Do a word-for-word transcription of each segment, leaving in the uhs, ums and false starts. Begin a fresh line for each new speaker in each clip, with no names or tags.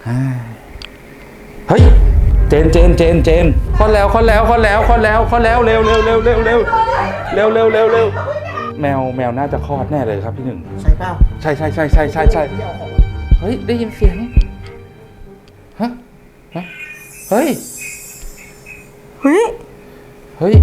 เฮ้ยเจนเจนเจนเจนคลอดแล้วคลอดแล้วคลอดแล้วคลอดแล้วคลอดแล้วเร็วเร็วเร็วเร็วเร็วเร็วเร็วเร็วเร็วแมวแมวน่าจะคลอดแน่เลยครับพี่หนึ่ง
ใช่เปล่า
ใช่ใช่ใช่ใช่ใช่ใช่เฮ้ยได้ยินเสียงฮะฮะเฮ้ย
เฮ้ย
เฮ้ย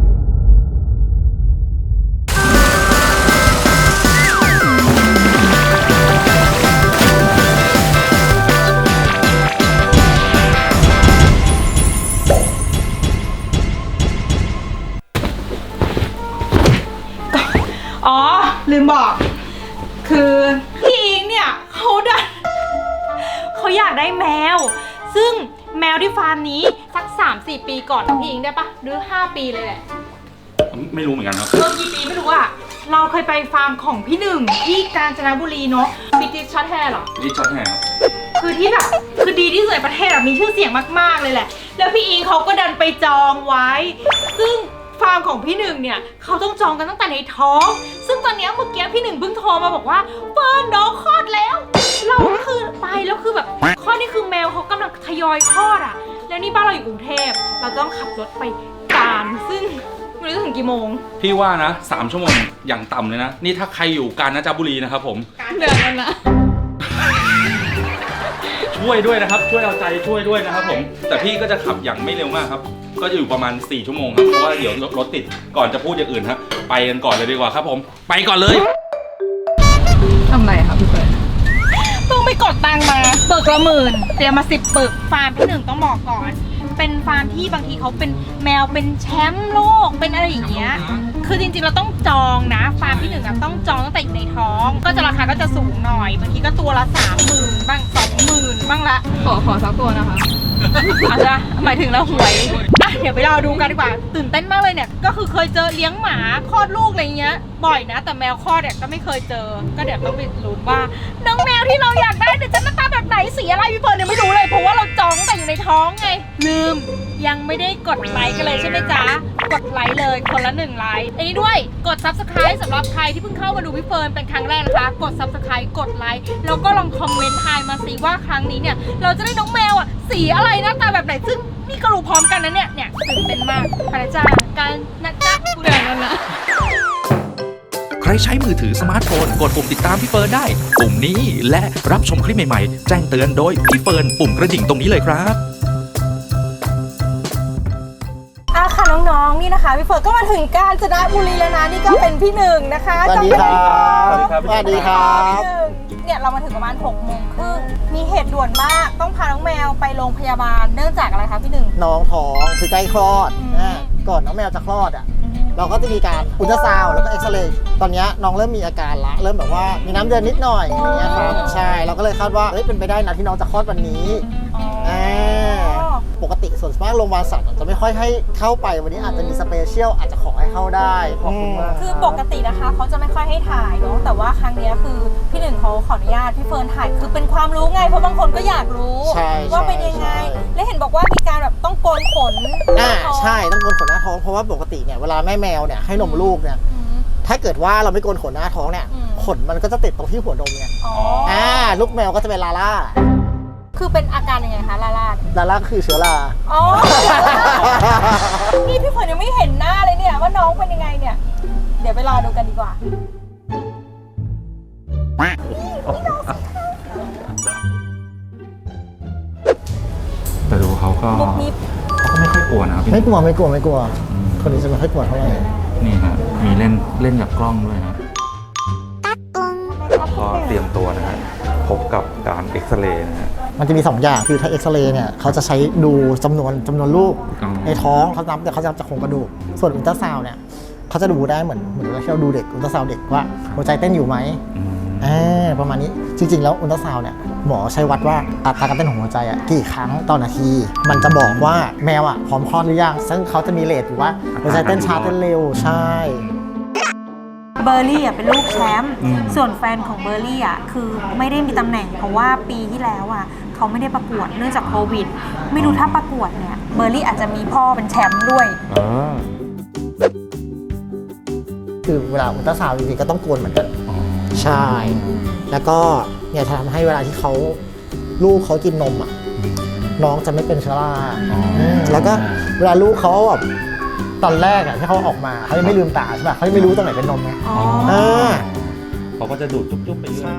อ๋อลืมบอกคือพี่อิงเนี่ยเขาดันเขาอยากได้แมวซึ่งแมวที่ฟาร์มนี้สัก สามสี่ ปีก่อนนะพี่อิงได้ปะหรือห้าปีเลยแหละ
ไม่รู้เหมือนกันครับ
เออกี่ปีไม่รู้อะเราเคยไปฟาร์มของพี่หนึ่งที่กาญจนบุรีเนาะบิติชช็อตแฮร์หรอ
บิติชช็อตแฮร์
คือที่แบบคือดีที่สุดในประเทศแบบมีชื่อเสียงมากๆเลยแหละแล้วพี่อิงเขาก็ดันไปจองไว้ซึ่งฟาร์มของพี่หนึ่งเนี่ยเขาต้องจองกันตั้งแต่ในท้องซึ่งตอนนี้เมื่อกี้พี่หนึ่งเพิ่งโทรมาบอกว่าเฟิร์นน้องคลอดแล้วเราก็คือไปแล้วคือแบบคลอดนี่คือแมวเขากำลังทยอยคลอดอ่ะแล้วนี่บ้านเราอยู่กรุงเทพเราต้องขับรถไปการซึ่งไม่รู้ถึงกี่โมง
พี่ว่านะสามชั่วโมงอย่างต่ำเลยนะนี่ถ้าใครอยู่กาญจนบุรีนะครับผม
การเดือนนั้นนะ
ช่วยด้วยนะครับช่วยเอาใจช่วยด้วยนะครับผมแต่พี่ก็จะขับอย่างไม่เร็วมากครับก็จะอยู่ประมาณสี่ชั่วโมงครับเพราะว่าเดี๋ยวรถติดก่อนจะพูดอย่างอื่นครับไปกันก่อนเลยดีกว่าครับผมไปก่อนเลย
ทำไรครับพี่เฟิร์นต้องไปกดตังมาปึกละหมื่นเตรียมมาสิบปึกฟาร์มพี่หนึ่งต้องบอกก่อนเป็นฟาร์มที่บางทีเขาเป็นแมวเป็นแชมป์โลกเป็นอะไรอย่างเงี้ยคือจริงๆเราต้องจองนะฟาร์มที่หนึ่งต้องจองตั้งแต่อยู่ในท้องก็จะราคาก็จะสูงหน่อยบางทีก็ตัวละสามหมื่นบ้างสองหมื่นบ้างละ
ขอขอสักตัวนะคะ
อาจจะหมายถึงเราหวยอ่ะเดี๋ยวไปรอดูกันดีกว่าตื่นเต้นมากเลยเนี่ยก็คือเคยเจอเลี้ยงหมาคลอดลูกอะไรเงี้ยบ่อยนะแต่แมวคลอดเนี่ยก็ไม่เคยเจอก็เดี๋ยวต้องไปลุ้นว่าน้องแมวที่เราอยากได้เนี่ยจะหน้าตาแบบไหนสีอะไรพี่เฟิร์นเนี่ยไม่รู้เลยเพราะว่าเราจองแต่อยู่ในท้องไงลืมยังไม่ได้กดไลค์กันเลยใช่ไหมจ๊ะกดไลค์เลยคนละหนึ่งไลค์อันนี้ด้วยกด ซับสไครบ์ สำหรับใครที่เพิ่งเข้ามาดูพี่เฟิร์นเป็นครั้งแรกนะคะกด ซับสไครบ์ กดไลค์แล้วก็ลองคอมเมนต์ทายมาสิว่าครั้งนี้เนี่ยเราจะได้น้องแมวอ่ะสีอะไรหน้าตาแบบไหนซึ่งนี่ก็รู้พร้อมกันนะเนี่ยเนี่ยตื่นเต้นมากพระจ้าการนะจ๊ะกูเดินแล้วนะ
ใครใช้มือถือสมาร์ทโฟนกดปุ่มติดตามพี่เฟิร์นได้ปุ่มนี้และรับชมคลิปใหม่ๆแจ้งเตือนโดยพี่เฟิร์นปุ่มกระดิ่งตรงนี้เลยครับ
อ่ะค่ะน้องๆนี่นะคะพี่เฟิร์นก็มาถึงกาญจนบุรีแล้วนะนี่ก็เป็นพี่หนึ่งนะคะ
สวัสดีครับสวัสดีครับ
เนี่ยเรามาถึงประมาณหกโมงครึ่งมีเหตุด่วนมากต้องพาน้องแมวไปโรงพยาบาลเนื่องจากอะไรคะพี่หนึ่ง
น้องท้องคือใกล้คลอดก่อนน้องแมวจะคลอดอ่ะเราก็จะมีการอุลตราซาวด์แล้วก็เอ็กซเรย์ตอนนี้น้องเริ่มมีอาการละเริ่มแบบว่ามีน้ำเดือนนิดหน่อยอย่างเงี้ยครับใช่เราก็เลยคาดว่าเฮ้ยเป็นไปได้นะที่น้องจะคลอดวันนี้ปกติส่วนมากโรงพยาบาลสัตว์จะไม่ค่อยให้เข้าไปวันนี้อาจจะมีสเปเชียลอาจจะขอให้เข้าได้ขอบคุณมาก
คือปกตินะคะเขาจะไม่ค่อยให้ถ่ายเนาะแต่ว่าครั้งนี้คือพี่หนึ่งเขาขออนุญาตพี่เฟิร์นถ่ายคือเป็นความรู้ไงเพราะบางคนก็อยากรู้ว่าเป็นยังไงและเห็นบอกว่ามีการแบบต้องโกนขน
อ่าใช่ต้องโกนขนหน้าท้องเพราะว่าปกติเนี่ยเวลาแม่แมวเนี่ยให้นมลูกเนี่ยถ้าเกิดว่าเราไม่โกนขนหน้าท้องเนี่ยขนมันก็จะติดตรงที่หัวนมเนี่ยอ่าลูกแมวก็จะเป็นลาล่า
คือเป็นอาการยังไงคะลาล่า
ลาล่าคือเชื้อรา
อ๋อนี่พี่เฟิร์นยังไม่เห็นหน้าเลยเนี่ยว่าน้องเป็นยังไงเนี่ยเดี๋ยวไปรอดูกันดีกว่า
แต่ดูเขาก็เขาก็ไม่ค่อยกลัวนะ
ไม่กลัวไม่กลัวไม่กลัวคนนี้จะไม่ค่อยกลัวเท่าไหร่
นี่ฮะมีเล่นเล่นกับกล้องด้วยนะก็เตรียมตัวนะฮะพบกับการเอ็กซเรย์นะฮะ
มันจะมีสองอย่างคือถ้าเอ็กซเรย์เนี่ยเขาจะใช้ดูจำนวนจำนวนลูกในท้องเขานับแต่เขาจะนับจากโครงกระดูกส่วนอุลตราซาวด์เนี่ยเขาจะดูได้เหมือนเหมือนเราดูเด็กอุลตราซาวด์เด็กว่าหัวใจเต้นอยู่ไหมอ่าประมาณนี้จริงๆแล้วอุลตราซาวด์เนี่ยหมอใช้วัดว่าอัตราการเต้นของหัวใจอ่ะกี่ครั้งต่อนาทีมันจะบอกว่าแมวอ่ะพร้อมคลอดหรือยังซึ่งเขาจะมีเรทอยู่ว่าหัวใจเต้นช้าเต้นเร็วใช่
เบอร์รี่อ่ะเป็นลูกแชมป์ส่วนแฟนของเบอร์รี่อ่ะคือไม่ได้มีตำแหน่งเพราะว่าปีที่แล้วอ่ะเขาไม่ได้ประกวดเนื่องจากโควิดไม่รู้ถ้าประกวดเนี่ยเบอร์รี่อาจจะมีพ่อเป็นแชมป์ด้วย
คือเวลาอุลตราซาวด์จริงๆก็ต้องโกนเหมือนกันใช่แล้วก็เนี่ยจะทำให้เวลาที่เขาลูกเขากินนมอ่ะน้องจะไม่เป็นเชื้อราอืมแล้วก็เวลาลูกเขาแบบตอนแรกอ่ะที่เขาออกมาเขายังไม่ลืมตาใช่ป่ะเขายังไม่รู้ตรงไหนเป็นนมไง
อ๋อ
อ่า
เขาก็จะดูดจุ๊บๆไปเรื่อย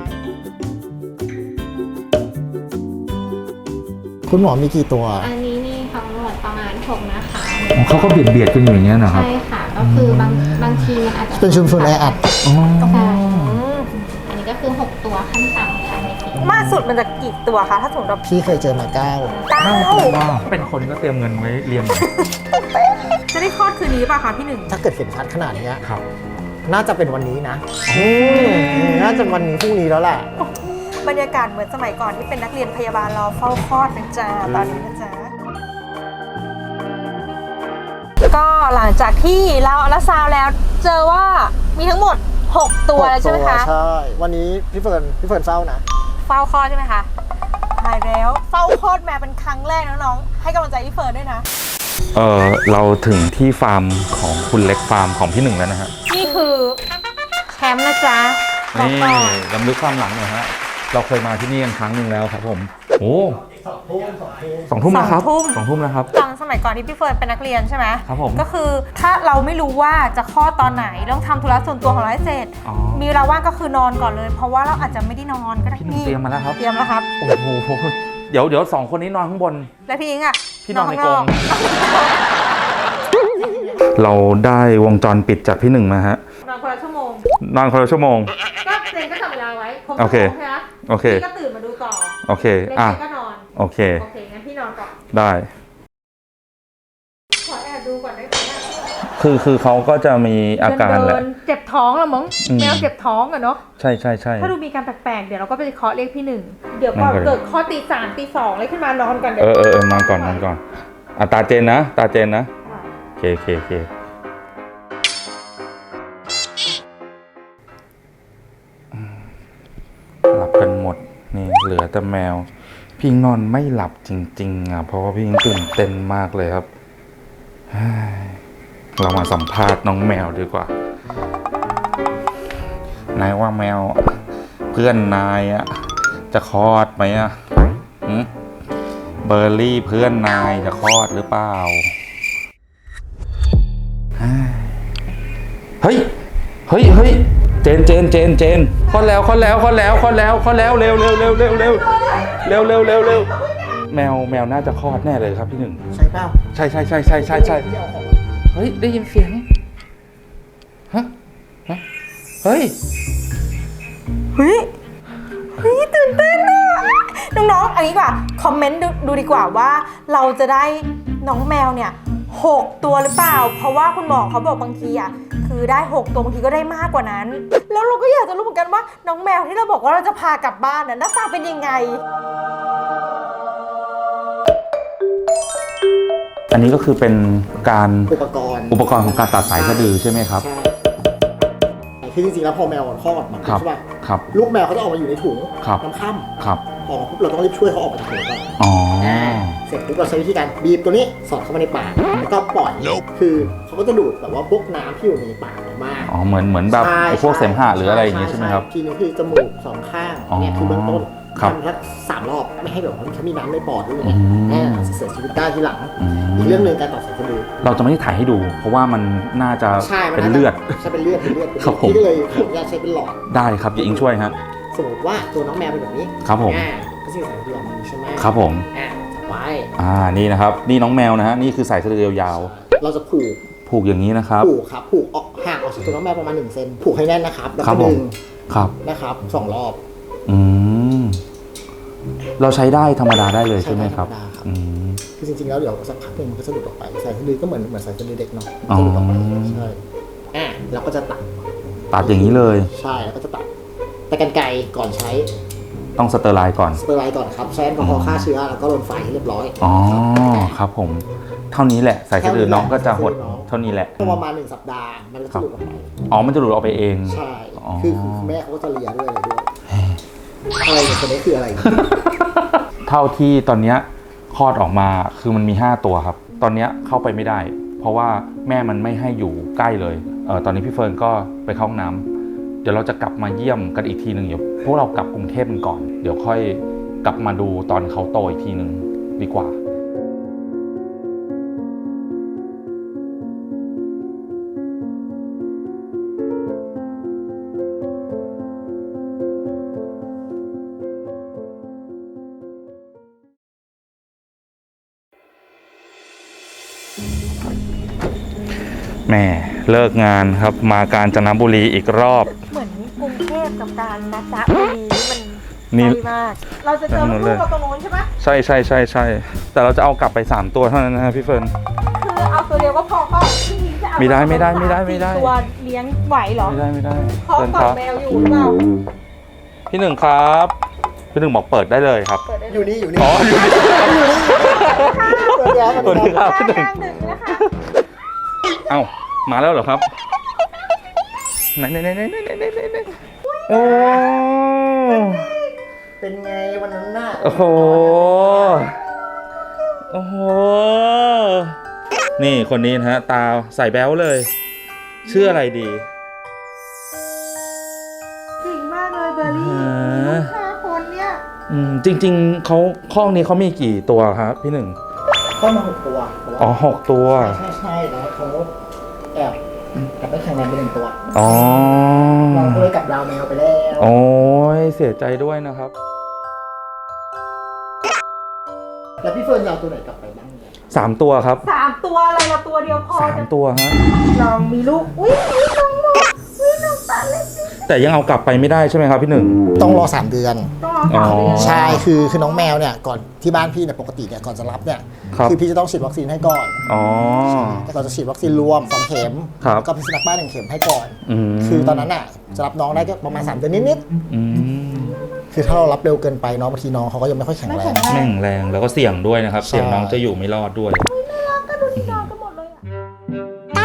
คุณหมอมีกี่ตัว
อันนี้นี่ทั้งหมดประมาณหกนะคะ
เขาก็เบียดเบียดกันอยู่อย่างเงี้ยนะครับ
ใช่ค่ะ ก็คือบางบางทีมันอาจจะ
เป็นชุมชนแออัด
อ๋อ
ใช่อันนี้ก็คือหกตัวขั้นต่ำค่ะในทีม
มากสุดมันจะกี่ตัวคะถ้าสมมติเรา
พี่เคยเจอมาเก้า
เก้า
เป็นคนก็เตรียมเงินไว้เรียน
จะได้คลอดคืนนี้ป่ะคะพี่หนึ่ง
ถ้าเกิดเห็นชัดขนาดเนี้ย
ครับ
น่าจะเป็นวันนี้นะอืมน่าจะวันนี้พรุ่งนี้แล้วแหละ
บรรยากาศเหมือนสมัยก่อนที่เป็นนักเรียนพยาบาลรอเฝ้าคลอดนะจ๊ะตอนนี้นะจ๊ะก็หลังจากที่เราอัลตราซาวด์แล้วเจอว่ามีทั้งหมดหกตัวแล้วใช่ไหมคะ
ใช่ วันนี้พี่เฟิร์นพี่เฟิร์นเฝ้านะ
เฝ้าคลอดใช่ไหมคะหายแล้วเฝ้าคลอดแม่เป็นครั้งแรกนะน้องให้กำลังใจพี่เฟิร์นด้วยนะ
เออเราถึงที่ฟาร์มของคุณเล็กฟาร์มของพี่หนึ่งแล้วนะฮะ
นี่คือแชมป์นะจ๊ะบอก
นี่
ก่อน
ลำลึกความหลังหน่อยฮะ เราเคยมาที่นี่กันครั้งหนึ่งแล้วครับผม โอ้สองทุ่มแล้วครับสองทุ่มแล้วครับ
ตอนสมัยก่อนที่พี่เฟิร์นเป็นนักเรียนใช่ไหม
ครับผม
ก็คือถ้าเราไม่รู้ว่าจะคลอดตอนไหนต้องทำธุระส่วนตัวของเราให้เสร็จ
อ๋อ
มีเวลาว่างก็คือนอนก่อนเลย เพราะว่าเราอาจจะไม่ได้นอนก็ได้
พี่หนึ่งเตรียมมาแล้วครับ
เตรียมแล้วครับ
โอ้โห เดี๋ยวเดี๋ยวสองคนนี้นอนข้างบน
แล้วพี่อิงอ่ะ
พี่นอนในกรง
ข้างนอก
เราได้วงจรปิดจากพี่หนึ่งมาฮะ
นอนคนละชั่วโมง
นอนคนละชั่วโมง
ก็เจนก็จับเวลาไว้ครบ
โอเค
ชั่วโมงใช่ไหม
โอเค
พี่ก็ตื่นมาดูต่อ
โอเค
เล่น
อ่ะ
ก็นอน
โอเค
โอเคงั้นพี่นอนก่อน
ได้
ขอแอบดูก่อนได้ไหม
คือคือเขาก็จะมีอาการแหละ
เดินๆเจ็บท้องแล้วมั้ง
อืม
แมวเจ็บท้องอะเนาะ
ใช่ใช่ใช่
ถ้าดูมีการแปลกๆ เดี๋ยวเราก็ไปเคาะเรียกพี่หนึ่ง เดี๋ยวก่อน
นอนก่อน
เกิดข้อตีสามตีสองเลยขึ้นมานอนก่อนเดี๋
เอ
ยว
อเออเออนอนก่อนนอนก่อนอ่ะตาเจนนะ ตาเจนนะ โอเคโอเคโอเคอืมหลับกันหมด นี่เหลือแต่แมว พี่นอนไม่หลับจริงๆอ่ะ เพราะว่าพี่ตื่นเต้นมากเลยครับเฮ้ยเรามาสัมภาษณ์น้องแมวดีกว่า นายว่าแมว เพื่อนนายอ่ะ จะคลอดไหมอ่ะหืมเบอร์รี่เพื่อนนายจะคลอดหรือเปล่า เฮ้ย เฮ้ย เฮ้ย เจน เจน เจน เจนคลอดแล้วคลอดแล้วคลอดแล้วคลอดแล้วคลอดแล้วเร็วเร็วเร็วเร็วเร็วเร็วเร็วเร็วเร็วแมวแมวน่าจะคลอดแน่เลยครับพี่หนึ่ง
ใช่เปล่า
ใช่ใช่ใช่ใช่ใช่ใช่เฮ้ย ได้ยินเสียง ฮะ ฮะ เฮ้ย
เฮ้ย เฮ้ย ตื่นเต้นอะน้องๆ อันนี้ดีกว่า คอมเมนต์ดูดูดีกว่าว่าเราจะได้น้องแมวเนี่ยหกตัวหรือเปล่า เพราะว่าคุณหมอเขาบอกบางทีอ่ะคือได้หกตัวบางทีก็ได้มากกว่านั้น แล้วเราก็อยากจะรู้เหมือนกันว่าน้องแมวที่เราบอกว่าเราจะพากลับบ้านน่ะหน้าตาเป็นยังไง
อันนี้ก็คือเป็นการ
อุปกรณ์
อุปกรณ์ของการตัดสายสะดือใช่ไหมครับ
ใช่คือจริงๆแล้วพอแมวมันคลอดมา
ครับ
ใช่ป่ะ
ครับ
ลูกแมวเขาจะออกมาอยู่ในถุง
ครับ
น้ำค่
ครับ
ำออกมาปุ๊บเราต้องรีบช่วยเขาออกมาจากถุงก่อน
อ๋อ
เสร็จปุ๊บเราใช้วิธีการบีบตัวนี้สอดเข้ามาในปากแล้วก็ปล่อย คือเขาก็จะดูดแบบว่าพวกน้ำที่อยู่ในปากออกมา
อ๋อ เหมือนเหมือนแบบ
ใช่
ไอ้พวกเสมหะหรืออะไรอย่างงี้ใช่ไหมครับ
ทีนึงคือจมูกสองข้าง
อ๋อ
เนี่ยคือเบื้องต้น
ครับ
ทำสักสามรอบไม่ให้แบบว่าเขามีน้ำในปอดด้วย
อื
เนี่ย
ม
แน่เสียชีวิตได้ทีหลัง
อืม
อีกเรื่องหนึ่งการตัดสายสะดือ
เราจะไม่ได้ถ่ายให้ดู เพราะว่ามันน่าจะ
ใช่มั
เป็น
น่าจะ
เลือด
ใช่เป็นเลือดเป็นเลือดเป็น
ครั
เลื
บผม
พี่ก็เลยขออนุญาตใช้เป็นหลอด
ได้ครับอย่าอิงช่วยฮะ
สมมติว่าตัวน้องแมวเป็นแบบนี้
ครับผม
อ่าก็จะมีสายสะดือออกมาใช่ไหม
ครับผม
อ่าจับไว้
อ่า นี่นะครับ นี่น้องแมวนะฮะ นี่คือสายสะดือยาว
เราจะผูก
ๆผูกอย่างนี้นะครับ
ผูกครับผูกออกห่างออกจากตัวน้องแมวประมาณหนึ่งเซนผูกให้แน่นนะครับแล้ว
ครั
ก็
บผม
ดึง
ครับ
นะครับสองรอบ
อืม เราใช้ได้ธรรมดาได้เลยใช่ไหมครับ
ใช้ได้ธรรมดาครับ
อืม
คือจริงๆแล้วเดี๋ยวสักพักหนึ่งมันก็จะหลุดออกไปสายสะดือก็เหมือนเหมือนสายสะดือเด็กเนาะ
อ๋อ
จะหลุดออกไปใช่อ่ะเราก็จะตัด
ตัดอย่างนี้เลย
ใช่แล้วก็จะตัดแต่กรรไกรก่อนใช้
ต้องสเตอร์ไลน์ก่อน
สเตอร์ไลน์ก่อนครับใช้แอลกอฮอล์ฆ่าเชื้อแล้วก็ลนไฟให้เรียบร้อย
อ๋อ ครับผม เท่านี้แหละ สายสะดือน้องก็จะหด เท่านี้แหละ
ประมาณหนึ่งสัปดาห์มันก็จะหลุดออกไป
อ๋อ มันจะหลุดออกไปเอง
ใช่
อ๋อ
คือคือแม่เขาก็จะเลียด้วยอะไรด้วยอะไรเนี่ยคนนี้คืออะไร
เท่าที่ตอนเนี้ยคลอดออกมาคือมันมีห้าตัวครับ ตอนเนี้ยเข้าไปไม่ได้ เพราะว่าแม่มันไม่ให้อยู่ใกล้เลยเออตอนนี้พี่เฟิร์นก็ไปเข้าห้องน้ำเดี๋ยวเราจะกลับมาเยี่ยมกันอีกทีหนึ่งเดี๋ยวพวกเรากลับกรุงเทพกันก่อน เดี๋ยวค่อยกลับมาดูตอนเขาโตอีกทีหนึ่งดีกว่าแม่เลิกงานครับมากาญจนบุรีอีกรอบ
เหมือนกรุงเทพกับการนะจ๊ะบุรี
นี่
มันใกล้มาก เราจะเจอลูกเราตรงนู้นใช่ไหม
ใช่ใช่ใช่ใช่แต่เราจะเอากลับไปสามตัวเท่านั้นนะฮะพี่เฟิร์น
คือเอาตัวเดียวก็พอก็พี่นิ้งจะเอา
ไม่ได้ไม่ได้ไม่ได้ไม่ได้
ตัวเลี้ยงไหวเหรอ
ไม่ได้ไม่ได้
เพราะ
เฟิร์น
กอ
ค
ด
รับ
แมวอยู่หรือเปล่า
พี่หนึ่งครับพี่หนึ่งบอกเปิดได้เลยครับ
เปิดได้
อยู่นี่อยู่นี่
อ๋ออยู่นี่
ตัวเดียว
ตัวนี้ครับพี่หนึ่ง
กลางดึกนะคะ
เอ้ามาแล้วเหรอครับไหนไหนไหนไหนไหนไหนไหนไหนโอ้
เป็นไงวันนั้นน่ะ
โอ้โหโอ้โหนี่คนนี้นะฮะตาใส่แบ๊วเลยชื่ออะไรดี
เก่งมากเลยเบอร์รี่
อ่า
ลูกค้าคนเนี้ย
อืมจริงๆเขาข้องนี้เขามีกี่ตัวครับพี่หนึ่ง
เข้ามาหกตัว
อ๋อหกตัว
ใช่ใช่แล้วเขาแอบกลับไปแข่งแรงไปหนึ่งตัว
อ๋อ
เราก็เลยกลับดาวแมวไปแล้ว
โอ้ยเสียใจด้วยนะครับ
แล้วพี่เฟิร์นจะเอาตัวไหนกลับไปบ้างเนี่ย
สามตัวครับ
สามตัวอะไรละตัวเดียวพอ
สาม
จะ
ตัวฮะ
ลองมีลูกอุ้ยมีน้องหมดอุ้ยน้องตาเล็ก
แต่ยังเอากลับไปไม่ได้ใช่ไหมครับพี่หนึ่ง
ต้องรอสามเดือน
ต้องรอสามเดือน
อ๋อ
ใช่คือคือน้องแมวเนี่ยก่อนที่บ้านพี่เนี่ยปกติเนี่ยก่อนจะรับเนี่ย
ครับ
อพี่จะต้องฉีดวัคซีนให้ก่อน
อ๋อ
แต่ก่อนจะฉีดวัคซีนรวมสองเข็ม
ครับ
แล้วก็พิษสุนัขบ้านหนึ่งเข็มให้ก่อน
อืม
คือตอนนั้นน่ะจะรับน้องได้ก็ประมาณสามเดือนนิด
อืม
ๆคือถ้าเรารับเร็วเกินไปน้องบางทีน้องเขาก็ยังไม่ค่อยแข็ง
ไม่
แร
แข็
ง
งแรง
แม่งแรงแล้วก็เสี่ยงด้วยนะครับ
ใช่
เสี่ยงน้องจะอยู่ไม่รอดด้วย
ก็ดูที่นอนกันหมดเลยอ่ะ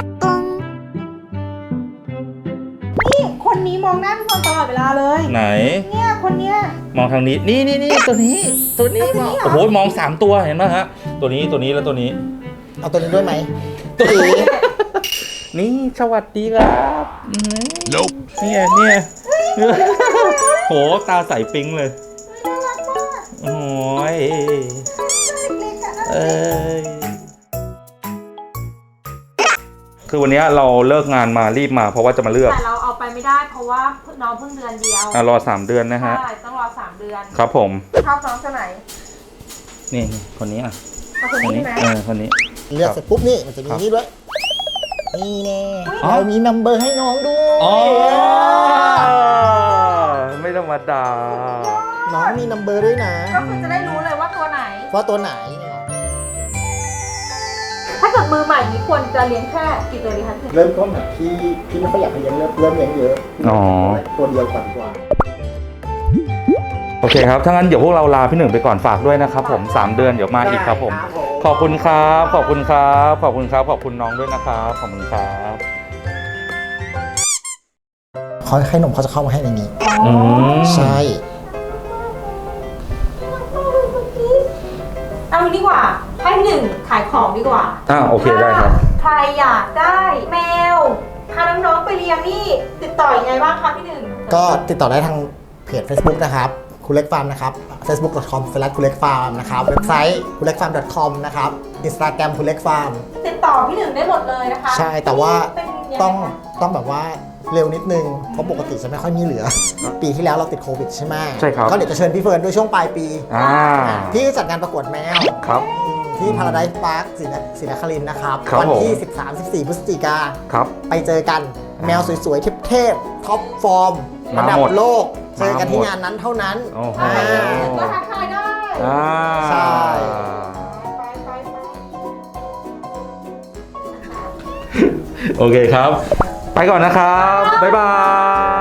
นี่คนนี้มองหน้าพี่บอลตลอดเวลาเลย
ไหน
เนี่ยคนเนี้ย
มองทางนี้ นี่นี่นี่ตัวนี้ ตัวนี้
ตัวนี้เหรอ
โอ้โห มองสามตัวเห็นไหมฮะ ตัวนี้ ตัวนี้ แล้วตัวนี้
เอาตัวนี้ด้วยไหม
ตัวนี้ นี่ สวัสดีครับอืมเนี่ยเนี่ยโห ตาใสปิ๊งเลย โอ้ยเอ้ย คือวันนี้เราเลิกงานมารีบมาเพราะว่าจะมาเลือก
แต่เราเอาไปไม่ได้เพราะว่าน้องเพิ่งเดือนเดียว
อ่ะรอสามเดือนนะฮะ
ใช่ต้องรอสามเดือน
ครับผม
ชอบน้องตัวไหน
นี่นี่คนนี้อ่ะ
เอาคน
คน
นี้
นี้
ใช่ไหม
เออคนนี้
เลือกเสร็จปุ๊บนี่มันจะมี
ครับ
นี่ด้วยนี่แน่
อ๋อ
เรามีนัมเบอร์ให้น้องด้วย
อ๋อไม่ธรรมดา
น้องมีนัมเบอร์ด้วยนะ
ก็คือจะได้รู้เลยว่าตัวไหน
ว่าตัวไหน
ถ้าเกิดมือใหม่นี้ควรจะเลี้ยงแค่กี่ตัวดีคะพี่
เริ่มต้นแบบที่ที่ไม่ค่อยอยากให้เลี้ยงเริ่มเริ่มเลี้ยงเยอะ
อ๋อ
ตัวเดียวก่อนดีกว่า
โอเคครับถ้างั้นเดี๋ยวพวกเราลาพี่หนึ่งไปก่อนฝากด้วยนะครับผมสามเดือนเดี๋ยวมาอีกครับผม
ได้ครับผม
ขอบคุณครับ ขอบคุณครับ ขอบคุณครับ ขอบคุณน้องด้วยนะครับ ขอบคุณครับ
เขาให้นมเขาจะเข้ามาให้ในนี้
อืม
ใช่
เอางี้ดีกว่า ให้พี่หนึ่งขายของดีกว่า
อ่าโอเคได้ครับ
ถ้าใครอยากได้แมวพาน้องๆไปเลี้ยงนี่ติดต่อยังไงบ้างคะพี่หนึ่ง
ก็ติดต่อได้ทางเพจ Facebook นะครับคุณเล็กฟาร์มนะครับ เฟซบุ๊ก ดอท คอม สแลช คุณเล็กฟาร์มนะครับ เว็บไซต์คุณเล็กฟาร์ม ดอท คอม นะครับ อินสตาแกรมคุณเล็กฟาร์ม
ติดต่อพี่หนึ่งได้หมดเลยนะคะ
ใช่ แต่ว่า
เป็นยังไง
ต้อง
คะ
ต้องแบบว่าเร็วนิดนึง เพราะปกติจะไม่ค่อยมีเหลือ ปีที่แล้วเราติดโควิดใช่ไหม
ใช่ครับ
ก็เดี๋ยวจะเชิญพี่เฟิร์นด้วยช่วงปลายปี
อ่า
ที่จัดงานประกวดแมว
ครับ
ที่ Paradise Park ศรีนศรีนครินทร์นะครับ
ครับ
วัที่
ผม
สิบสาม สิบสี่ พฤศจิกา
ครับ
ไปเจอกันแมวสวยๆ เทพๆ ท็อปฟอร์ม
มา
ระดับ
หมด
โลก เจอกันที่
มาหมด
งานนั้นเท่านั้น
โอ้โห
อ่า
ก็ทักทายได้
อ่า
ใช่
ไปไปไป
โอเคครับ ไปก่อนนะครับ บ๊ายบาย